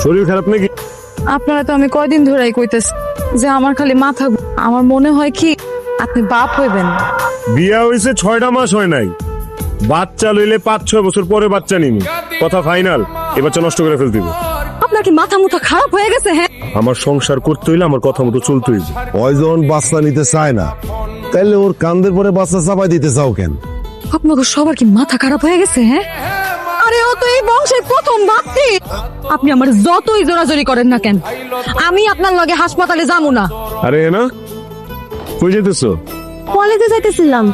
শরীর খারাপ নাকি? আপনারা তো আমি কয়দিন ধরেই কইতেছি যে আমার খালি মাথা আমার মনে হয় কি আপনি বাপ হইবেন। বিয়া হয়েছে 6টা মাস হয় নাই, বাচ্চা লইলে 5-6 বছর পরে বাচ্চা নিবি। কথা ফাইনাল, এ বাচ্চা নষ্ট করে ফেল দিব। আপনার কি মাথা মুথা খারাপ হয়ে গেছে? হ্যাঁ, আমার সংসার করতে হইলে আমার কথা মতো চলতে হইবে। ওই যখন বাচ্চা নিতে চায় না, তাইলে ওর কান্দের পরে বাচ্চা চাপাই দিতে চাও কেন? আপনাকে সবার কি মাথা খারাপ হয়ে গেছে? হ্যাঁ, আরে ও তো এই বংশের প্রথম বাপটি। আপনি আমার যতই জোরাজোরি করেন না কেন, আমি আপনার লগে হাসপাতালে যাবো না। আরে না, কই যেতেছো? কলেজে যাইতেছিলাম।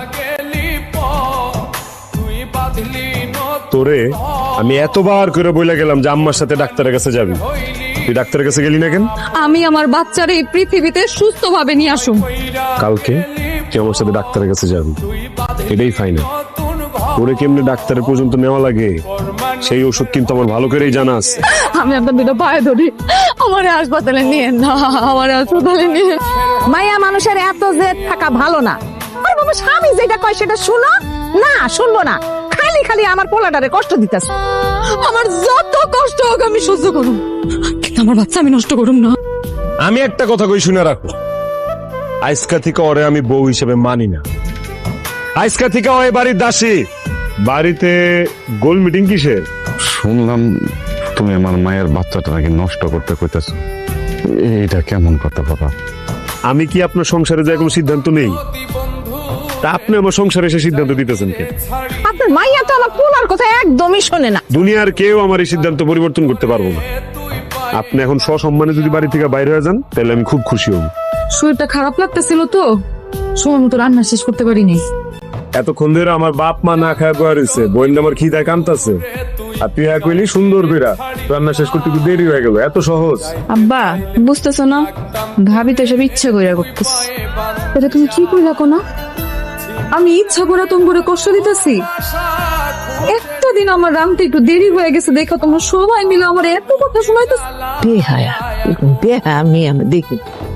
তোরে আমি এতবার করে বইলা গেলাম যে আম্মার সাথে ডাক্তারের কাছে যাবি, তুই ডাক্তারের কাছে গেলি না কেন? আমি আমার বাচ্চারে এই পৃথিবীতে সুস্থভাবে নিয়ে আসুন। কালকে তুই আমার সাথে ডাক্তারের কাছে যাবি, এটাই ফাইনাল। ওরে কেমনে ডাক্তারের পর্যন্ত নেওয়া লাগে সেই ওষুধ কিন্তু আমার ভালো করেই জানা আছে। আমি আপনার দুটো পায়ে ধরি, আমার হাসপাতালে নিয়ে না, আমার হাসপাতালে নিয়ে। মাইয়া মানুষের এত জেদ থাকা ভালো না। আর বাবা, স্বামী যেটা কয় সেটা শুনো না, শুনবো না, খালি খালি আমার পোলাটারে কষ্ট দিতেছ। আমার যত কষ্ট হোক আমি সহ্য করুম, কিন্তু আমার বাচ্চা আমি নষ্ট করুম না। আমি একটা কথা কই শুনে রাখো, আজকা থেকে ওরে আমি বউ হিসেবে মানি না। আজকা থেকে ওই বাড়ির দাসী। বাড়িতে গোল মিটিং কিসের? শুনলাম তুমি আমার মায়ের বাচ্চাটা নাকি নষ্ট করতে কইতেছো। এইটা কেমন কথা বাবা? আমি কি আপনার সংসারে যায় কোনো সিদ্ধান্ত নেই? তা আপনি আমার সংসারে এসে সিদ্ধান্ত দিতেছেন কে? আপনার মাইয়া তো আমার পোলার কথা একদমই শোনে না। দুনিয়ার কেউ আমার এই সিদ্ধান্ত পরিবর্তন করতে পারবো না। আপনি এখন সসম্মানে যদি বাড়ি থেকে বাইরে হয়ে যান তাহলে আমি খুব খুশি হব। শরীরটা খারাপ লাগতেছিল তো, সময় মতো রান্না শেষ করতে পারিনি। এতক্ষণ ধরে আমার বাপ মা না খায় বয়া রয়েছে, বোন আমার খিদায় কামতাছে, আর তুই এক কইলি সুন্দর কইরা রান্না শেষ করতে একটু দেরি হয়ে গেল। এত সহজ? আব্বা বুঝতেছো না, ভাবি তো সব ইচ্ছা কইরা করতেছ। এটা তুমি কি কইলা কোনা? আমি ইচ্ছা করে তোমারে কষ্ট দিতেছি? একটা দিন আমার রামতে একটু দেরি হয়ে গেছে দেখো তোমরা সবাই মিলে আমার এত কথা শোনাইতেছ। বেহায়া, বেহা আমি দেখি।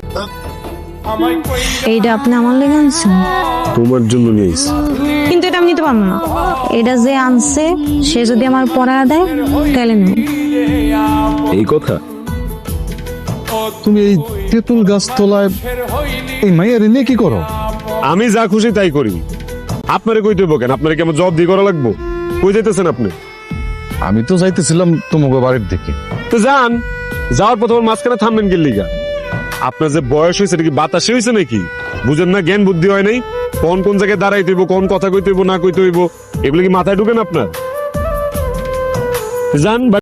এইটা আপনি আমার লেগে আনছেন, তোমার জন্য নিয়েছি। কিন্তু এটা আমি নিতে পারবো না। এটা যে আনছে সে যদি আমার পড়ায় দেয় তাহলে নেব। এই কথা? তুমি এই তেঁতুল গাছ তলায় এই মায়ের নিয়ে কি করো? আমি যা খুশি তাই করি। আপনারে কই দেবো কেন? আপনারে কি আমার জব দিয়ে করা লাগবো? কই যাইতেছেন আপনি? আমি তো যাইতেছিলাম তোমাকে বাড়ির দিকে। তো যান, যাওয়ার পর তোমার মাঝখানে থামবেন কি লিগা? আপনার যে বয়স হয়েছে এটা কি বাতাসে হয়েছে নাকি? বুঝেন না, জ্ঞান বুদ্ধি হয় নাই? কোন কোন জায়গায় দাঁড়াইতে হইব, কোন কথা কইতে হইব না কইতে হইব, এগুলো কি মাথায় ঢুকেন আপনার? যান।